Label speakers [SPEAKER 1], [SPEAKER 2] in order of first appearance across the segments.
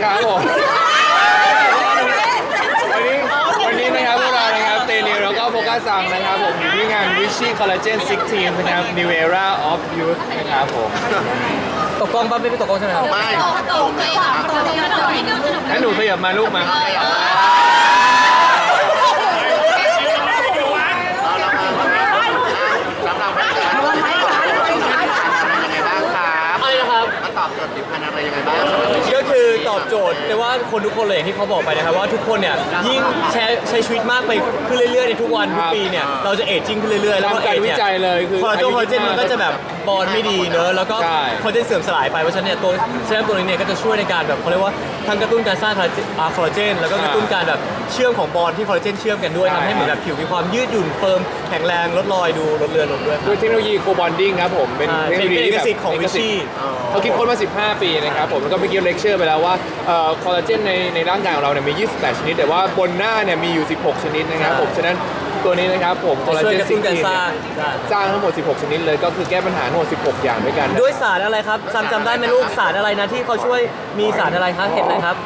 [SPEAKER 1] ครับผมวันนี้นะครับพวกเรานะครับเตนิวแล้วก็โฟกัสซังนะครับผมอยู่ที่งาน Vichy Collagen 16นะครับ New Era of Youth นะครับผม
[SPEAKER 2] ตกกล้องป่ะไม่ตกกล้องใช่ไหมครับ
[SPEAKER 3] ไม่
[SPEAKER 1] ให้หนูขยับมาลูกมา
[SPEAKER 3] รับเราไม่ได้ยังไงบ้างครับ
[SPEAKER 2] อะไรนะครับ
[SPEAKER 3] มาตอบโจทย์ผิวพรรณอะไรยังไงบ้าง
[SPEAKER 2] ก็คือตอบโจทย์แต่ว่าคนทุกคนเลยอย่างที่เขาบอกไปนะครับว่าทุกคนเนี่ยยิ่งใช้ชีวิตมากไปขึ้นเรื่อยๆในทุกวันทุกปีเนี่ยเราจะเอจจิ้งขึ้นเรื่อยๆแล้วก็เอจเนี่ยคอลลาเจนมันก็จะแบบบอลไม่ดีเนอะแล้วก็คอลลาเจนเสื่อมสลายไปเพราะฉะนั้นเนี่ยตัวเซรั่มตัวนี้เนี่ยก็จะช่วยในการแบบเขาเรียกว่าทั้งกระตุ้นการสร้างคอลลาเจนแล้วก็กระตุ้นการแบบเชื่อมของบอลที่คอลลาเจนเชื่อมกันด้วยทำให้เหมือนแบบผิวมีความยืดหยุ่นเฟิร์มแข็งแรงลดรอยดูลดเลือนลงด้วย
[SPEAKER 1] ด้วยเทคโนโลยีโคบอนดิ้งครับผมเป็นเทคโนโลยี
[SPEAKER 2] เอกสิทธิ์ของวิชี่
[SPEAKER 1] เขาคิดค้นมา15 ปีนะครับผมแล้วก็เมื่อกี้เลคเชอร์ไปแล้วว่าคอลลาเจนในร่างกายของเราเนี่ยมี28ชนิดแต่ว่าบนหน้าเนี่ยมีอยู่16ชนิดนะครับผมฉะนั้นตัวนี้นะครับผมคอลลาเจนซิงค์เนี่ยสร้างทั้งหมด16ชนิดเลยก็คือแก้ปัญหาทั้งหมด16อย่างด้วยกัน
[SPEAKER 2] ด้วยสารอะไรครับจำได้ไหมลูกสารอะไรนะที่เขาช่วยมีสารอะไรครับเห็นอะไรครับ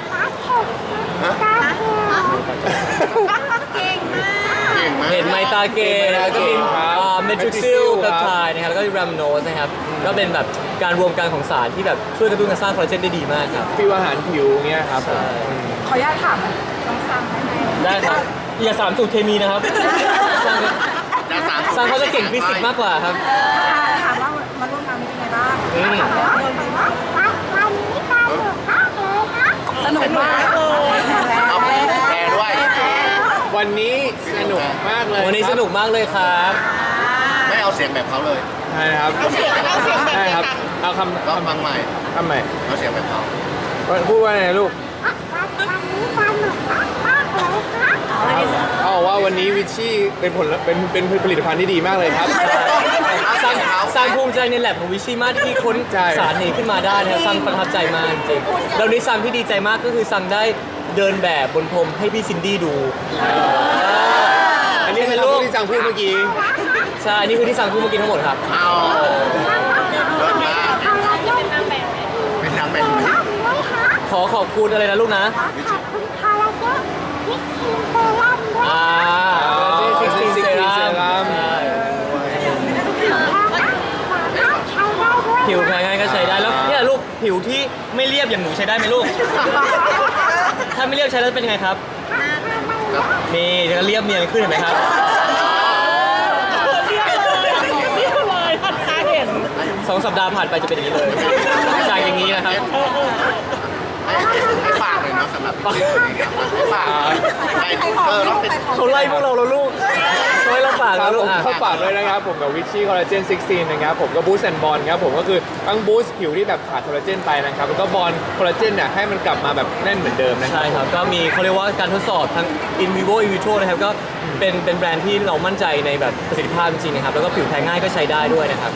[SPEAKER 2] เห็นไมตาเกแล้วก็มีเมทริกซิลเพปไทด์นะครับแล้วก็แรมโนสนะครับก็เป็นแบบการรวมกันของสารที่แบบช่วยกระตุ้นการสร้างคอลลาเจนได้ดีมากครับ
[SPEAKER 1] ฟิวอาหารผิวเงี้ยครับ
[SPEAKER 4] ขออนุญาตถามน้องซังได้ไหม
[SPEAKER 2] ได้ครับอย่าสามสูตรเคมีนะครับซังเขาจะเก่งฟิสิกส์มากกว่าครับ
[SPEAKER 4] ถามว่ามาร่วมงานเป็นยังไงบ้างสนุกมาก
[SPEAKER 3] เอาแพรด้วย
[SPEAKER 1] วันนี้สนุกมากเลย
[SPEAKER 2] วันนี้สนุกมากเลยครับ
[SPEAKER 3] ไม่เอาเสียงแบบเขาเลย
[SPEAKER 1] ใช่ครับใช่ครับเอาคำ
[SPEAKER 3] ฟังใหม่เอาเสียงแบบเขา
[SPEAKER 1] พูดว่าไงลูกเขาบอกว่าวันนี้วิชชี่เป็นผลิตภัณฑ์ที่ดีมากเลยครับ
[SPEAKER 2] สร้างภูมิใจในแลบของวิชี่มากที่ค้นสารนี้ขึ้นมาได้นะครับซังประทับใจมากจริงๆแล้วนี้ซังที่ดีใจมากก็คือซังได้เดินแบบบนพรมให้พี่ซินดี้ดู
[SPEAKER 1] อันนี้เป็นรูปที่ซังพูดเมื่อกี้
[SPEAKER 2] ใช่นี่คือที่ซังพูดเมื่อกี้ทั้งหมดครับ
[SPEAKER 3] เอาเลิศมากเป็นนางแบบ
[SPEAKER 2] ขอบคุณอะไรนะลูกนะ16 เซรั่มผิวแพ้ง่ายก็ใช้ได้แล้วเนี่ยลูกผิวที่ไม่เรียบอย่างหนูใช้ได้ไหมลูกถ้าไม่เรียบใช้แล้วเป็นยังไงครับนี่จะเรียบเนียนขึ้นเห็นไหมครับ2 สัปดาห์ผ่านไปจะเป็นอย่างนี้เลยจากอย่างนี้นะครับ
[SPEAKER 3] ให้ฝากเลยเนาะสำหรับพี่ฝาก
[SPEAKER 2] เขาไล่พวกเราแล้วลูกเขาให้เราฝากแล้วลูก
[SPEAKER 1] เข้าฝากด้วยนะครับผมกับวิชชี่คอลลาเจน16นะครับผมก็บูสต์แอนด์บอลครับผมก็คือทั้งบูสต์ผิวที่แบบขาดคอลลาเจนไปนะครับแล้วก็บอลคอลลาเจนเนี่ยให้มันกลับมาแบบแน่นเหมือนเดิมนะ
[SPEAKER 2] ใช่ครับก็มีเขาเรียกว่าการทดสอบทั้ง in vivo in vitro นะครับก็เป็นแบรนด์ที่เรามั่นใจในแบบประสิทธิภาพจริงๆนะครับแล้วก็ผิวแพ้ง่ายก็ใช้ได้ด้วยนะครับ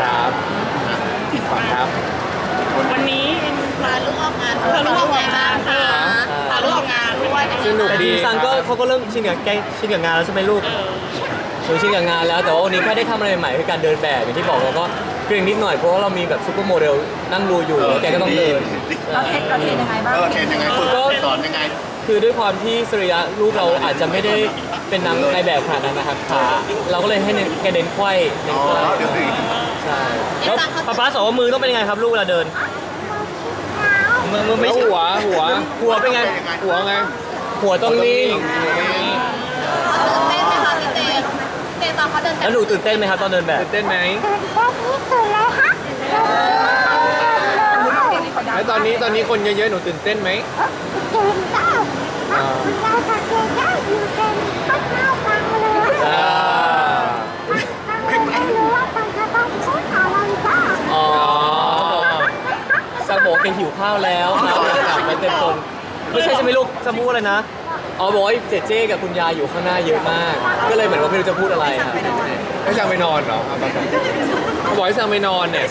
[SPEAKER 1] ครับ
[SPEAKER 5] วันนี้พาลูกออกงานพาลูกออกงานค่ะพาลูกออกงานด้วย
[SPEAKER 1] สนุกดี
[SPEAKER 2] ซังก็เขาก็เริ่มชินกับงานแล้วใช่ไหมลูกชินกับงานแล้วแต่ว่าวันนี้แค่ได้ทำอะไรใหม่ๆคือการเดินแบบอย่างที่บอกเราก็เกรงนิดหน่อยเพราะว่าเรามีแบบซูเปอร์โมเดลนั่งดูอยู่แกก็ต้องเดิน
[SPEAKER 4] เราเทรนยังไงบ้าง
[SPEAKER 3] เทรนยังไงคุณสอนยังไง
[SPEAKER 2] คือด้วยความที่สริยะลูกเราอาจจะไม่ได้เป็นในแบบขนาดนั้นนะครับขาเราก็เลยให้แกเดินไขว้ใช่แล้วป๊าสอนว่ามือต้องเป็นยังไงครับลูกเวลาเดินมือไม่ใช่หัวเป็นไง
[SPEAKER 1] หัวไง
[SPEAKER 2] หัวต้องนิ่งแล้วหนูตื่นเต้นไหมครับตอนเดินแบบ
[SPEAKER 1] ตื่นเต้นไหมแล้วตอนนี้คนเยอะๆหนูตื่นเต้นไหม
[SPEAKER 2] ซังบอกแกหิวข้าวแล้วครับมันเป็นคนไม่ใช่ใช่ไหมลูกจะพูดอะไรนะบอกว่าเจกับคุณยายอยู่ข้างหน้าเยอะมากก็เลยเหมือนว่าไม่รู้จะพูดอะไรครับ
[SPEAKER 1] ให้ซังไปนอนเหรอบอกให้ซังไปนอนเนี่ย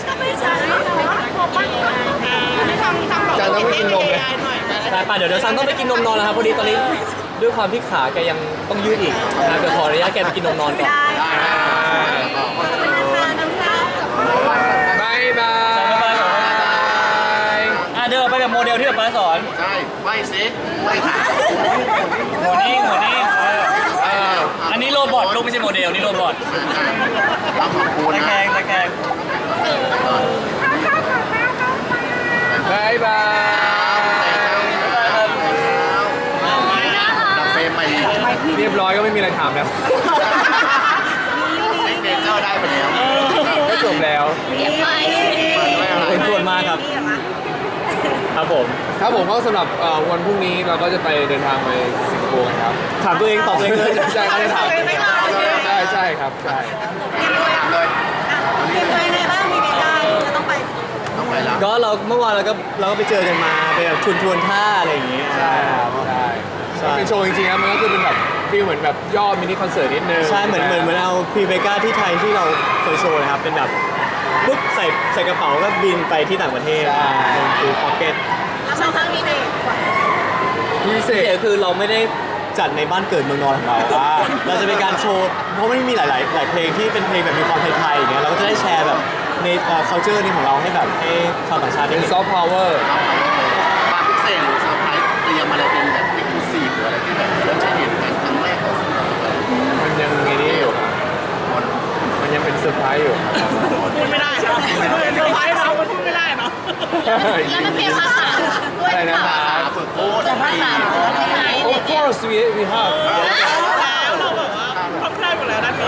[SPEAKER 1] ซังต้องไปกินนมเลย
[SPEAKER 2] ใช่ป่ะเดี๋ยวซังต้องไปกินนมนอนแล้วครับพอดีตอนนี้ด้วยความที่ขาแกยังต้องยืดอีกนะเดี๋ยวขออนุญาตแกไปกินนมนอนก่อน
[SPEAKER 1] บาย
[SPEAKER 2] เดินไปกับโมเดลที่ป๊าสอน
[SPEAKER 3] ใช่ไม่สิไม่ค่ะ
[SPEAKER 2] หัวนิ่งอันนี้โรบอทลูกไม่ใช่โมเดลนี่โรบอท
[SPEAKER 3] ต้องขอบคุณ
[SPEAKER 2] ตะ
[SPEAKER 3] นะ
[SPEAKER 2] แคง
[SPEAKER 1] บายบาย
[SPEAKER 3] เฟรมไป
[SPEAKER 1] เรียบร้อยก็ไม่มีอะไรถามแล้ว
[SPEAKER 3] เนเจอร์ได้ไปแล้ว
[SPEAKER 1] ก็จบแล้ว
[SPEAKER 5] เก็บไว้
[SPEAKER 2] เป็นส่วนมากครับครับผม
[SPEAKER 1] ครับผมก็สำหรับวันพรุ่งนี้เราก็จะไปเดินทางไปสิงคโปร์กันครับ
[SPEAKER 2] ถามตัวเองตอบตัวเองเลย
[SPEAKER 1] ใช่เขาจะถามใช่ครับใช่
[SPEAKER 3] เลย
[SPEAKER 4] เตรียมตัวยังไงบ้างมีเบต้าจะต้องไป
[SPEAKER 3] ต้องไปแล้ว
[SPEAKER 2] ก็เราเมื่อวานเราก็ไปเจอกันมาไปแบบชวนท่าอะไรอย่างเงี้ย
[SPEAKER 1] ใช่ครับใช่เป็นโชว์จริงๆครับมันก็คือเป็นแบบฟีลเหมือนแบบย่อมินิคอนเสิร์ตนิดนึง
[SPEAKER 2] ใช่เหมือนเอาพรีเบก้าที่ไทยที่เราเคยโชว์นะครับเป็นแบบปุ๊บใส่กระเป๋าก็บินไปที่ต่างประเทศคือพ็อกเก็ต
[SPEAKER 5] แล้วครั้งนี้เป็น
[SPEAKER 1] พิเศ
[SPEAKER 2] พิเศ
[SPEAKER 1] ษ
[SPEAKER 2] ษคือเราไม่ได้จัดในบ้านเกิดเมืองนอนของเราเราจะเป็นการโชว์เพราะไม่มีหลายเพลงที่เป็นเพลงแบบมีความไทยๆอย่างเงี้ยเราก็จะได้แชร์แบบในculture นี้ของเราให้แบบให้ชาวต่างชาติได้
[SPEAKER 1] เป็น
[SPEAKER 2] เห็น
[SPEAKER 1] ซอฟต์พาวเวอร์
[SPEAKER 3] ความพิเศษหรือเซอร์ไพรส์เตรียมอะไรเป็นแบบเอ็กซ์คลูซีฟหรืออะไรที่แบบเราจะเห็นกันครั้งแรกของสำหรับเรา
[SPEAKER 1] มันยังไงนี่อยู่ครับมันยังเป็นเซอร์ไพรส์อยู่ครับ
[SPEAKER 5] พูดไม่ได้เนาะเซอร์ไพรส์เราพูดไม่ได้เนาะแล้วมันเปลี่ยนภาษาด้วย
[SPEAKER 1] อะไรนะ
[SPEAKER 3] ภาษาฝึกพูด
[SPEAKER 5] ภาษาภาษา
[SPEAKER 1] Of course we have
[SPEAKER 5] แล้วเราแบบว่าครอบครัวหมดแล้วด้านนี้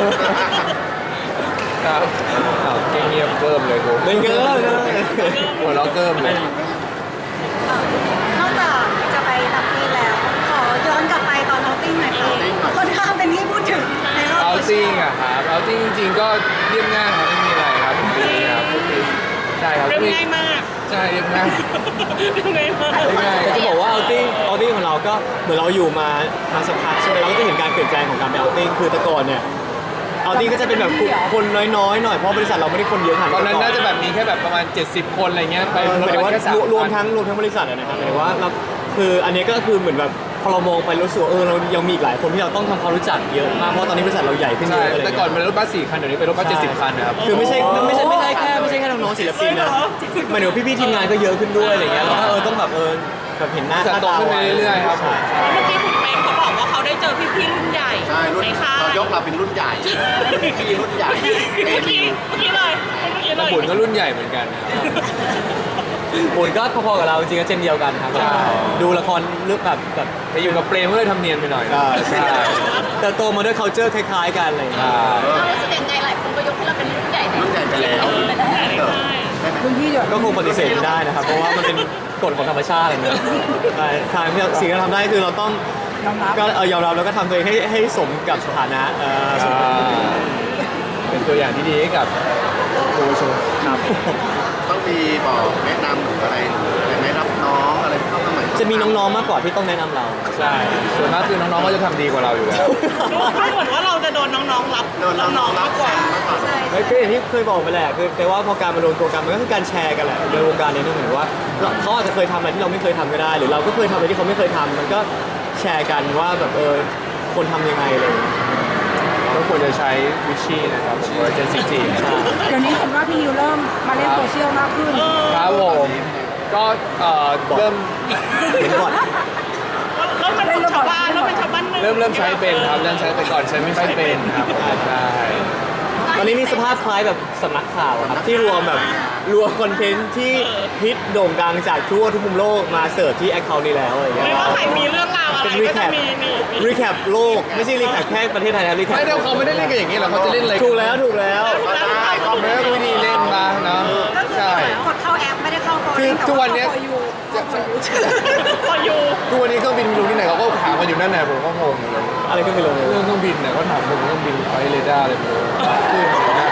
[SPEAKER 1] ครับอ้าวเงียบๆเกิมเลยกู
[SPEAKER 2] ไม่เกิน
[SPEAKER 1] หัวเราะเกิมเลย
[SPEAKER 4] นอกจากจะไปต่างประเทศแล้ว ขอย้อนกลับไปตอนเอาติ้งหน่อยค่ะค่อนข้างเป็นที่พูดถึงในรอบ
[SPEAKER 1] เอา
[SPEAKER 4] โซเชี
[SPEAKER 1] ติ้
[SPEAKER 4] ย
[SPEAKER 1] ง
[SPEAKER 4] ล
[SPEAKER 1] อะครับเอาติ้งจริงๆก็เรียบง่ายครับไม่มีอะไรครับทุกปีครับทุกปีใช่ครับ
[SPEAKER 5] เรียบง่ายมาก
[SPEAKER 1] ใช่เรียบง่าย
[SPEAKER 5] เรียบง่ายมาก
[SPEAKER 1] เรียบง่าย
[SPEAKER 2] แต่จะบอกว่าเอาติ้งของเราก็เหมือนเราอยู่มาสักพักใช่ไหมเราก็จะเห็นการเปลี่ยนแปลงของการไปเอาติ้งคือแต่ก่อนเนี่ยเอาติ้งก็จะเป็นแบบคนน้อยๆหน่อยเพราะบริษัทเราไม่ได้คนเยอะขนาด
[SPEAKER 1] ตอนนั้นน่าจะแบบมีแค่แบบประมาณ 70 คนอะไรเงี้ยไป
[SPEAKER 2] หมายถึงว่า
[SPEAKER 1] แค่สาม
[SPEAKER 2] รวมทั้งบริษัทอะนะครับหมายถึงว่าเราคืออันนี้ก็คือเหมือนแบบพอเรามองไปรู้สึกว่าเรายังมีอีกหลายคนที่เราต้องทำความรู้จักเยอะมากเพราะตอนนี้บริษัทเราใหญ่ขึ้นเย
[SPEAKER 1] ใช่
[SPEAKER 2] อะอะไร
[SPEAKER 1] แต่ก่อนเป็นรถบัส4 คันเดี๋ยวนี้เป็นรถบัส70 คันนะครับ
[SPEAKER 2] คือไม่ใช่แค่น้องๆศิลปินนะหมายถึงว่าพี่ๆทีมงานก็เยอะขึ้นด้วยอะไรเงี้ยเราก็ต้องแบบแบบเห็นหน้า
[SPEAKER 1] จะ
[SPEAKER 2] ค่า
[SPEAKER 1] โต
[SPEAKER 2] ตา
[SPEAKER 1] ขึ้นไปเรื่อยๆครับผม
[SPEAKER 5] เมื่อกี้คุณเมงเขาบอกว่าเขาได้เจอพี่ๆรุ่นใหญ่
[SPEAKER 3] ใช่รุ่น
[SPEAKER 5] ในค่าย
[SPEAKER 3] เรายกเราเป็นรุ่นใหญ่พี่รุ่นใหญ่เอ
[SPEAKER 5] เมื่อ
[SPEAKER 3] มิ
[SPEAKER 5] กี้
[SPEAKER 3] ว
[SPEAKER 5] เมื่อกี้เลยเมื่อกี้เล
[SPEAKER 1] แต่
[SPEAKER 5] ย
[SPEAKER 1] บุญก็รุ่นใหญ่เหมือนกันนะครับ
[SPEAKER 2] บุญก็พอๆกับเราจริงๆก็เจนเดียวกันครับ
[SPEAKER 1] ใช่
[SPEAKER 2] ดูละครเรื่องแบบ
[SPEAKER 1] ไปอยู่กับเปรมก็เลยทำเนียนไปหน่อยนะ
[SPEAKER 2] ใช่แต่โตมาด้วย culture คล้ายๆกันอะไรอย่างเงี้ย
[SPEAKER 5] เรารู้สึกยังไงหลายคนก็ยกให้เราเป็นรุ่นใหญ่
[SPEAKER 3] รุ่นใหญ่ไปแล้ว
[SPEAKER 4] คุณพี่เดี๋ยว
[SPEAKER 2] ก็คงปฏิเสธไม่ได้นะครับ เพราะว่ามันเป็นกฎของธรรมชาติอะไรเงี้ยใช่ทางที่สิ่งที่เราทำได้คือเราต้อง
[SPEAKER 4] ยอมรับ
[SPEAKER 2] ก็ยอมรับแล้วก็ทำตัวเองให้สมกับสถานะสมกับ
[SPEAKER 1] เป็นตัวอย่างที่ดีให้กับเยาวชน
[SPEAKER 2] ครับ
[SPEAKER 3] ต้องมีบอกแนะนำหรืออะไรแนะนำน้องอะไรเข้ามาใหม่
[SPEAKER 2] จะมีน้องๆมากกว่าที่ต้องแนะนำเรา
[SPEAKER 1] ใช่ส่วนมากคือน้องๆก็จะทำดีกว่าเราอยู่แล้ว
[SPEAKER 5] ดูเหมือนว่าเราจะโดนน้องๆรับ
[SPEAKER 3] โดนน้องๆ
[SPEAKER 5] มากกว่า
[SPEAKER 3] มากกว่า
[SPEAKER 2] ก็อย่างที่เคยบอกไปแหละคือแต่ว่าพอการมารวมตัวกันมันก็คือการแชร์กันแหละในวงการนี้นึกเหมือนว่าเขาอาจจะเคยทำอะไรที่เราไม่เคยทำก็ได้ หรือเราก็เคยทำอะไรที่เขาไม่เคยทำมันก็แชร์กันว่าแบบคนทำยังไงเลย
[SPEAKER 1] ก็ควรจะใช้วิชชี่นะครับผมว่าเจนซิที
[SPEAKER 4] เดี๋ยวนี้เห็นว่าพี่นิวเริ่มมาเล่นโซเชียลมากขึ้น
[SPEAKER 1] ครับผมก็เริ่ม
[SPEAKER 2] เห็นก่อน
[SPEAKER 5] เราเป็นคนชาวบ้านเราเป็นชาวบ้านหนึ่ง
[SPEAKER 1] เริ่มใช้เป็นครับเริ่มใช้ไปก่อนใช้ไม่ค่อยเป็นครับใช่
[SPEAKER 2] ตอนนี้มีสภาพคล้ายแบบสำนักข่าวอะครับที่รวมคอนเทนต์ที่ฮิตโด่งดังจากทั่วทุกมุมโลกมาเสิร์ฟที่แอคเคาท์นี้แล้วอะไรอย่างเงี้
[SPEAKER 5] ไม่
[SPEAKER 2] ย
[SPEAKER 5] ว่าใครมีเรื่องราวอะไร
[SPEAKER 2] เป็น
[SPEAKER 5] ก็
[SPEAKER 2] รีแค
[SPEAKER 5] จะ
[SPEAKER 2] ป
[SPEAKER 5] มีนี่
[SPEAKER 2] รีแคปโลกไม่ใช่รีแคปแค่ประเทศไทยนะรีแคป
[SPEAKER 1] ไม่ได้เขาไม่ได้เล่นกันอย่างนี้หรอกเขาจะเล่นอะไร
[SPEAKER 2] ถูกแล้ว
[SPEAKER 3] ก็ได้ก็
[SPEAKER 1] ไม่ได้วิธีเล่นมาเนาะใช่
[SPEAKER 4] กดเข้าแอปไม่ได้เข้าโฟน
[SPEAKER 1] คือทุกวันเนี้ย
[SPEAKER 5] พออยู่
[SPEAKER 1] ทุกวันนี้เครื่องบินไม่รู้ที่ไหนเขาก็ถามมาอยู่นั่นแหละผมก็งงเลย
[SPEAKER 2] อะไรก็ไม่รู้
[SPEAKER 1] เรื่องเครื่องบินเนี่ยก็ถามผมเครื่องบินไฟเรดาร์อะไรไม่รู้ขึ้นอยู่นั่น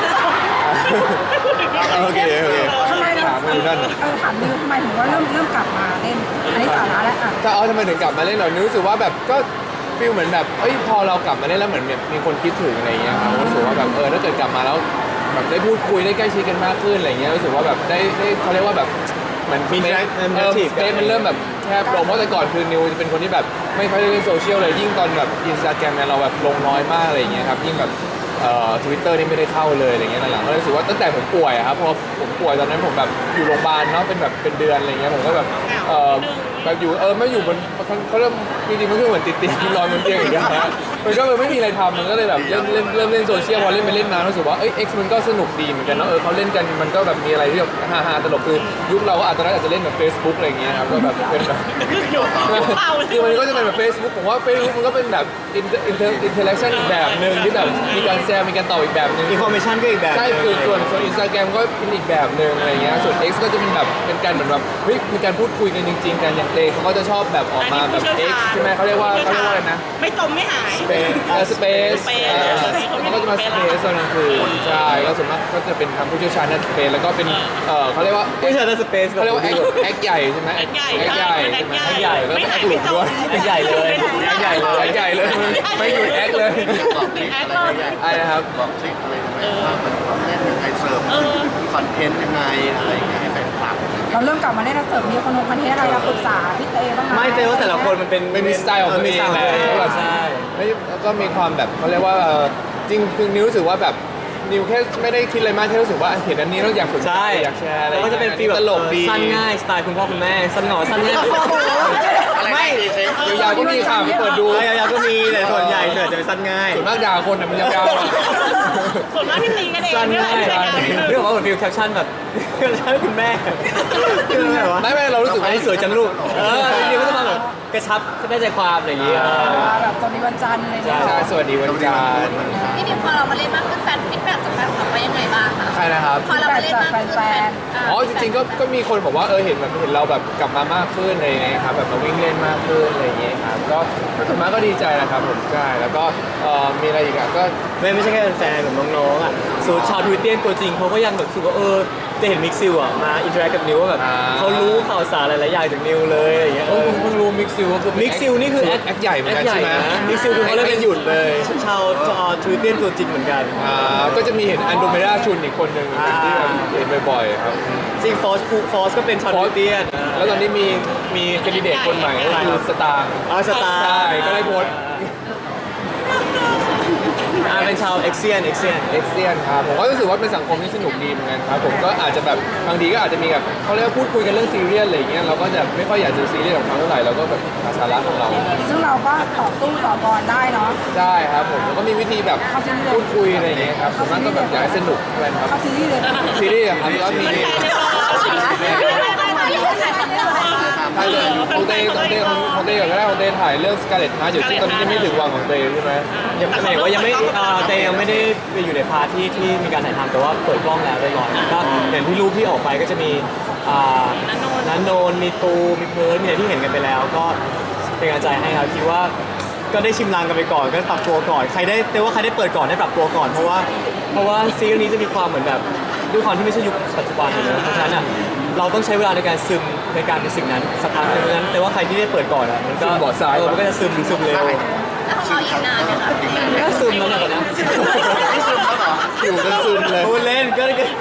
[SPEAKER 1] โอเค
[SPEAKER 4] ทำไมเรา
[SPEAKER 1] ถามมาอยู่นั่นน่ะ
[SPEAKER 4] ถามนิวทำไมถึงว่าเริ่มกลับมาเล่น อันนี้สาระแล้วอ่ะ
[SPEAKER 1] ถ้าเอาทำไมถึงกลับมาเล่นหน่อยรู้สึกว่าแบบก็ฟีลเหมือนแบบเอ้ยพอเรากลับมาเล่นแล้วเหมือนแบบมีคนคิดถึงอะไรเงี้ยครับรู้สึกว่าแบบถ้าเกิดกลับมาแล้วแบบได้พูดคุยได้ใกล้ชิดกันมากขึ้นอะไรเงี้ยรู้สึกว่าแบบได้เขาเรียกว่าแบบเหมือน
[SPEAKER 2] มี
[SPEAKER 1] ส
[SPEAKER 2] interactive
[SPEAKER 1] เปซมันเริ่มแบบแคบลงเพราะแต่ก่อนคือนิวจะเป็นคนที่แบบไม่ค่อยได้เล่นโซเชียลเลยยิ่งตอนแบบอินสตาแกรมเนี่ยเราแบบลงน้อยมากอะไรเงี้ยครับยิ่งแบบ Twitter นี่ไม่ได้เข้าเลยอะไรเงี้ยหลังๆก็รู้สึกว่าตั้งแต่ผมป่วยอะครับพอผมป่วยตอนนั้นผมแบบอยู่โรงพยาบาลเนาะเป็นแบบเป็นเดือนอะไรเงี้ยผมก็แบบแบบอยู่ไม่อยู่บนเขาเริ่มจริงๆมันคือเหมือนติดเตียงนอนบนเตียงอย่างเงี้ยฮะมันก็ไม่มีอะไรทำมันก็เลยแบบเริ่มเล่นโซเชียลพอเล่นไปเล่นมารู้สึกว่าX มันก็สนุกดีเหมือนกันเนาะเขาเล่นกันมันก็แบบมีอะไรที่แบบฮาๆตลกคือยุคเราก็อาจจะเล่นแบบ Facebook อะไรเงี้ยครับก็แบบเป็นแบบคือมันก็จะเป็นแบบ Facebook ผมว่า Facebook มันก็เป็นแบบinteraction อีกแบบหนึ่งที่แบบมีการแชร์มีการตอบอีกแบบหนึ่ง
[SPEAKER 2] อินฟอร์เมชันก็อีกแบบ
[SPEAKER 1] ใช่คือส่วนInstagram ก็เป็นอีกแบบหนึ่งอะไรเงี้ยส่วน X ก็จะเป็นแบบเป็นการเหมือนแบบเฮ้ยมีการพูดคุยกันจริงๆกันอย่างเตเขาก็จะชอบแบบออกมาแบบ X ใช่ไหมเขาเรียกว่าอะไรนะ
[SPEAKER 5] ไม่จมไม่หาย
[SPEAKER 1] Space มันก็จะมา Space ตอนกลางคืนใช่ก็ส่วนมากก็จะเป็นทางผู้เชี่ยวชาญด้าน Space แล้วก็เป็นเขาเรียกว่า
[SPEAKER 2] ผู้ชายในสเปซ
[SPEAKER 1] เขาเรียกว่า X ใหญ่ใช่ไหม
[SPEAKER 5] แอคใหญ่
[SPEAKER 1] X ใหญ่
[SPEAKER 5] แอคใหญ่
[SPEAKER 1] X ใหญ่แล้ว
[SPEAKER 5] ไม่
[SPEAKER 1] ก็
[SPEAKER 5] หาย
[SPEAKER 1] X หลุ
[SPEAKER 5] ไม่
[SPEAKER 1] ม
[SPEAKER 5] จ
[SPEAKER 1] ด้วย
[SPEAKER 5] ม
[SPEAKER 2] X ใหญ่เลย X ใหญ่เลย
[SPEAKER 1] X ใหญ่เลยไม่หยุด X เลย
[SPEAKER 3] บอกทริคอะไรยังไง
[SPEAKER 1] อะไรนะครับ
[SPEAKER 3] บอกทริคอะไรทำไมว่ามันต้องเล่นยังไงเสิร์ฟคอนเทนต์ยังไงอะไรอย่างเงี้ยให้แฟนคลับ
[SPEAKER 4] เราเริ่มกลับมาเล่นเสิร์ฟมีคนคอนเทนต์อะไรเราปรึกษาพี่เต้บ้างไหม
[SPEAKER 2] ไม่เจอว่าแต่ละคนมันเป็น
[SPEAKER 1] ไม่มีสไตล์ของตัวเองแหละ
[SPEAKER 2] ใช่
[SPEAKER 1] แล้วก็มีความแบบเขาเรียกว่าจริงคือนิวรู้สึกว่าแบบนิวแค่ไม่ได้คิดอะไรมากแค่รู้สึกว่าเห็นอันนี้แล้วอยากสนใจ
[SPEAKER 2] ใช่
[SPEAKER 1] อยากแชร์อะไร
[SPEAKER 2] แล้วก็จะเป็นฟีลแบบ
[SPEAKER 1] ตลกดี
[SPEAKER 2] สั้นง่ายสไตล์คุณพ่อคุณแม่สั้นหน่อสั้นง่าย
[SPEAKER 3] ไม่
[SPEAKER 1] ยาวๆก็มีค่ะไปเปิดดู
[SPEAKER 2] ยาวๆก็มีแต่ส่วนใหญ่จะเป็นสั้นง่าย
[SPEAKER 1] ส่วนมากด่าคนน่ะมันยาวๆอะ
[SPEAKER 5] ส่วนมากที่ตีกันเอง
[SPEAKER 2] สั้น
[SPEAKER 5] ไม่
[SPEAKER 2] ง่าย
[SPEAKER 5] ใช่กัน
[SPEAKER 2] เรื่องของว่าเหมือนฟีลแคปชั่นแบบแคปชั่นคุณแม่คือแบบว่า
[SPEAKER 1] ไม่เรารู้สึก
[SPEAKER 2] อัน
[SPEAKER 1] ว่า
[SPEAKER 2] นี้สวยจังลูกจริงๆก็จะมาแบบกระชับได้ใจความอะไรอย่างเงี้ย
[SPEAKER 4] แบบตอนนี้วันจันทร์อะไรเงี้ย
[SPEAKER 1] ใช่สวัสดีวันจันทร์
[SPEAKER 6] พี่ดิมพอเรามาเล่นมากขึ้นแฟนฟีดแบ็กจากแฟนคลับว่ายังไงบ้างคะ
[SPEAKER 1] ใครนะครับ
[SPEAKER 6] พอเรามาเล่นมากขึ้น
[SPEAKER 1] อ๋อจริงๆก็มีคนบอกว่าเห็นเราแบบกลับมามากขึ้นอะไรอย่างเงี้ยครับแบบมาวิ่งเล่นมากขึ้นอะไรอย่างเงี้ยครับก็ส่วนมากก็ดีใจนะครับผมใช่แล้วก็มีอะไรอีกอ่ะก็
[SPEAKER 2] ไม่ใช่แค่แฟนๆแบบน้องๆอ่ะส่วนชาวทวิตเตียนตัวจริงเขาก็ยังแบบรู้สึกว่าจะเห็นมิกซิลอ่ะมาอินเทอร์แอคกับนิวว่าแบบเขารู้ข่าวสารหลายๆอย่างจากนิวเลยอย่างเงี้ย
[SPEAKER 1] เพิ่งรู้มิกซิลก็คือ
[SPEAKER 2] มิกซิลนี่คือ
[SPEAKER 1] แอคใหญ่เหมือนกัน
[SPEAKER 2] แอคใหญ่
[SPEAKER 1] ใช่ไหม
[SPEAKER 2] นะมิกซิลคือเขาเล่น
[SPEAKER 1] ไม่หยุดเลย
[SPEAKER 2] ชาวทวิตเตียนตัวจริงเหมือนกัน
[SPEAKER 1] ก็จะมีเห็นอันโดเมดาชุนอีกคนหนึ่งที่แบบเห็นบ่อยๆครับ
[SPEAKER 2] จริงฟอสก็เป็นชาวทวิตเตียน
[SPEAKER 1] แล้วตอนนี้มีแคนดิเดตคนใหม่ก็คือสตาร์
[SPEAKER 2] สตาร์
[SPEAKER 1] ใช่ก็ได้โพสต์
[SPEAKER 2] เป็นชาวเอ็กเซียน
[SPEAKER 1] เอ็กเซียนครับผมก็รู้สึกว่าเป็นสังคมที่สนุกดีเหมือนกันครับผมก็อาจจะแบบบางทีก็อาจจะมีแบบเขาเรียกว่าพูดคุยกันเรื่องซีเรียสอะไรอย่างเงี้ยเราก็จะไม่ค่อยอยากจะซีเรียสกับเขาเท่าไหร่เราก็แบบหาสาระของเรา
[SPEAKER 4] ซึ่งเราก็ต่อสู้ต่อกรได้เนาะ
[SPEAKER 1] ได้ครับผมแล้วก็มีวิธีแบบพูดคุยอะไรอย่างเงี้ยครับส่วนมากก็แบบอยากให้สนุกกันครับ
[SPEAKER 4] เข้าซีรีส์เลย
[SPEAKER 1] ซีรีส์อะครับก็มีถ่ายเลยของเต้ก็ได้ของเต้ถ่ายเรื่อง Scarlet Heart อยู่ที่ตอนนี้ยังไม่ถึงวังของเต้ใช่ไหม
[SPEAKER 2] ยังไม่ว่ายังไม่เตยังไม่ได้ไปอยู่ในพาร์ทที่มีการถ่ายทำแต่ว่าเปิดกล้องแล้วเรียบร้อยก็อย่างที่รูปที่ออกไปก็จะมีนันโนนมีตูมีเพิร์ดมีอะไรที่เห็นกันไปแล้ว ก็เป็นกำลังใจให้ครับคิดว่าก็ได้ชิมลางกันไปก่อนก็ปรับตัวก่อนใครได้เปิดก่อนได้ปรับตัวก่อนเพราะว่าซีรีส์นี้จะมีความเหมือนแบบด้วยความที่ไม่ใช่ยุคปัจจุบันนะเพราะฉะนั้นเราต้องใช้เวลาในการซึมในการเป็นสิ่งนั้นสักพักหนึงนั้นแต่ว่าใครที่ได้เปิดก่อนมันก็มันก็จะซึมเร็ว
[SPEAKER 6] แล้วของเราอีกนานไหมคะ
[SPEAKER 2] ก็ซึมแล้วเนี่ยตอนนี้
[SPEAKER 1] อยู่กันซึมเลย
[SPEAKER 2] พูดเล่นก็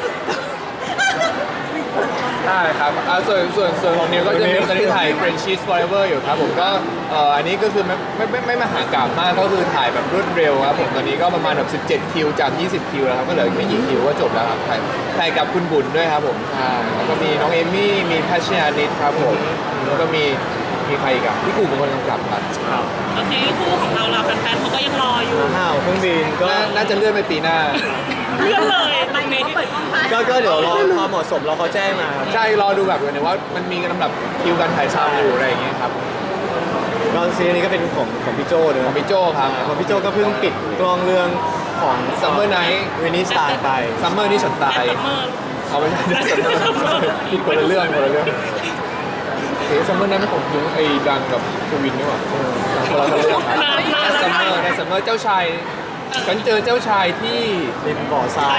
[SPEAKER 1] ได้ครับส่วนของนิวก็จะมีตอนนี้ถ่าย Friendship Forever อยู่ครับผมก็อันนี้ก็คือไม่มหากาพย์มากก็คือถ่ายแบบรวดเร็วครับผมตอนนี้ก็ประมาณแบบ17คิวจาก20คิวแล้วครับก็เหลือไม่กี่คิวก็จบแล้วครับถ่ายกับคุณบุญด้วยครับผมใช่แล้วก็มีน้องเอมี่มีพัชญานิดครับผมแล้วก็มีใครอีกอะพี่กูเป็นคนกำกับครับ
[SPEAKER 5] โอเคคู่ของเราแฟนๆเขาก็ยังรออยู่
[SPEAKER 2] ห้าวเครื่องบินก็
[SPEAKER 1] น่าจะเลื่อนไปปีหน้า
[SPEAKER 5] เลื่อนเลยตรงนี้
[SPEAKER 2] ก็เดี๋ยวรอความเหมาะสมเราเขาแจ้งมาครับ
[SPEAKER 1] ใช่รอดูแบบเหมือนว่ามันมีลำดับคิวการถ่ายทำอยู่อะไรอย่างเงี้ยครับ
[SPEAKER 2] ก็ซีรีส์นี้ก็เป็นของพี่โจ้เน
[SPEAKER 1] ของ
[SPEAKER 2] อะ
[SPEAKER 1] พี่โจครับ
[SPEAKER 2] ของพี่โจ้ก็เพิ่งปิดกล้องเรื่องของ
[SPEAKER 1] Summer Night
[SPEAKER 2] วินนี่สตาร์ไป
[SPEAKER 1] ซัมเมอร์นี่ฉันตาย
[SPEAKER 5] ซัมเมอร์
[SPEAKER 1] เอาไม่ใช่ ผิดคนละเรื่องซัมเมอร์นั้นไม่ของยุ้งไอ้ดังกับภูวินนี่หว่าคนละเรื่องในซัมเมอร์เจ้าชายฉันเจอเจ้าชายที่
[SPEAKER 2] ริมบ่อทราย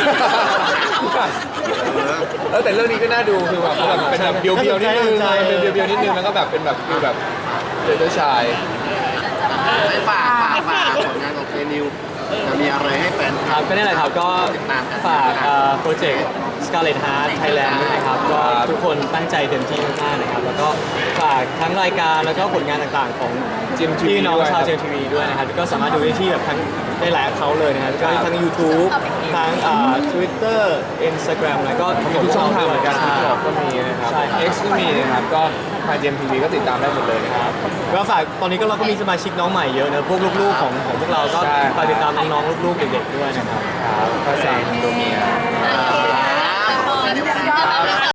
[SPEAKER 1] แต่เรื่องนี้ก็น่าดูคือแบบเป็นแบบเบียวๆนิดนึงเป็นเบียวๆนิดนึงแล้วก็แบบเป็นแบบคือแบบเจอเจ้าชาย
[SPEAKER 3] ให้ฝากผลงานของเคนิวจะมีอะไรให้แฟนค
[SPEAKER 2] ค
[SPEAKER 3] ลั
[SPEAKER 2] รั
[SPEAKER 3] บบ
[SPEAKER 2] ก็นี่แหละครับก็ฝากโปรเจกต์ Scarlet Heart Thailand ด้วยนะครับก็ทุกคนตั้งใจเต็มที่มากๆนะครับแล้วก็ฝากทั้งรายการแล้วก็ผลงานต่างๆของ
[SPEAKER 1] GMTV
[SPEAKER 2] พี่น้องชาว
[SPEAKER 1] ด้วย
[SPEAKER 2] GMTV ด้วยนะครับก็สามารถดูได้ที่แบบทั้งได้หลายเขาเลยนะครับก็ทั้ง YouTube ทั้งTwitter Instagram แล้วก็
[SPEAKER 1] มีทุกช่องทางเหมือนกัน
[SPEAKER 2] ใช่
[SPEAKER 1] TikTok ก็มีนะครับ
[SPEAKER 2] ใช่ครับ
[SPEAKER 1] X ก็มีนะครับก็ทาง GMTV ก็ติดตามได้หมดเลยนะครับ
[SPEAKER 2] ก็ฝากตอนนี้ก็เราก็มีสมาชิกน้องใหม่เยอะนะพวกลูกๆของพวกเราก็
[SPEAKER 1] ใช่
[SPEAKER 2] ฝากติดตามน้องๆลูกๆเด็กๆด้วยนะครับ
[SPEAKER 1] ครับก็แซงตัวเมีย
[SPEAKER 6] โอเค